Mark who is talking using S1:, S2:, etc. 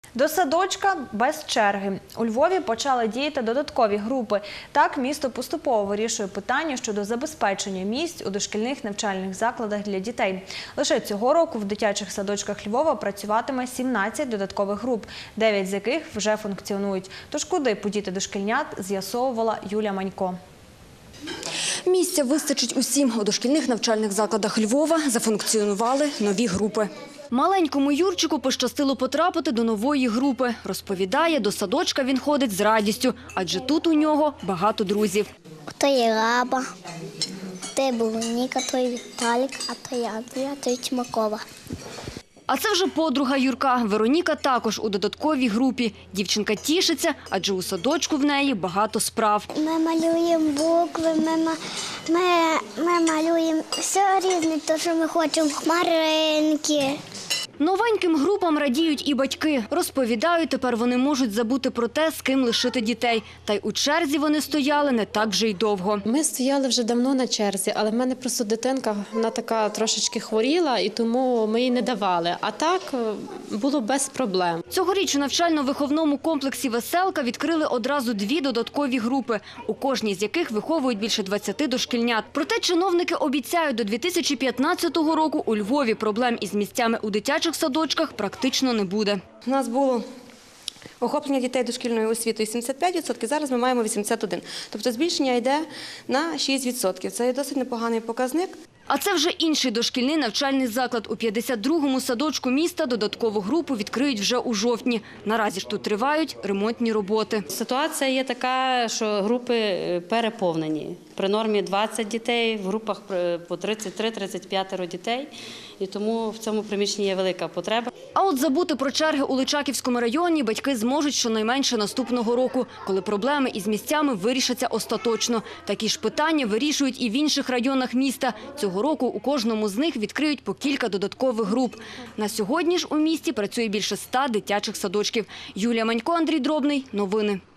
S1: До садочка без черги. У Львові почали діяти додаткові групи. Так, місто поступово вирішує питання щодо забезпечення місць у дошкільних навчальних закладах для дітей. Лише цього року в дитячих садочках Львова працюватиме 17 додаткових груп, 9 з яких вже функціонують. Тож куди подіти дошкільнят, з'ясовувала Юлія Манько.
S2: Місця вистачить усім. У дошкільних навчальних закладах Львова зафункціонували нові групи. Маленькому Юрчику пощастило потрапити до нової групи. Розповідає, до садочка він ходить з радістю, адже тут у нього багато друзів.
S3: То є Раба, то є Вероніка, то є Віталік, а то є Андрія, то є Тимакова.
S2: А це вже подруга Юрка. Вероніка також у додатковій групі. Дівчинка тішиться, адже у садочку в неї багато справ.
S3: Ми малюємо букви, ми малюємо все різне, то що ми хочемо, хмаринки.
S2: Новеньким групам радіють і батьки. Розповідають, тепер вони можуть забути про те, з ким лишити дітей. Та й у черзі вони стояли не так вже й довго.
S4: Ми стояли вже давно на черзі, але в мене просто дитинка, вона така трошечки хворіла, і тому ми їй не давали. А так було без проблем.
S2: Цьогоріч у навчально-виховному комплексі «Веселка» відкрили одразу 2 додаткові групи, у кожній з яких виховують більше 20 дошкільнят. Проте чиновники обіцяють, до 2015 року у Львові проблем із місцями у дитячих садочках практично не буде.
S5: У нас було охоплення дітей дошкільною освітою 75%, зараз ми маємо 81%. Тобто збільшення йде на 6%. Це є досить непоганий показник.
S2: А це вже інший дошкільний навчальний заклад. У 52-му садочку міста додаткову групу відкриють вже у жовтні. Наразі ж тут тривають ремонтні роботи.
S6: Ситуація є така, що групи переповнені. При нормі 20 дітей, в групах по 33-35 дітей. І тому в цьому приміщенні є велика потреба.
S2: А от забути про черги у Личаківському районі батьки зможуть щонайменше наступного року, коли проблеми із місцями вирішаться остаточно. Такі ж питання вирішують і в інших районах міста. Цього року у кожному з них відкриють по кілька додаткових груп. На сьогодні ж у місті працює більше 100 дитячих садочків. Юлія Манько, Андрій Дробний. Новини.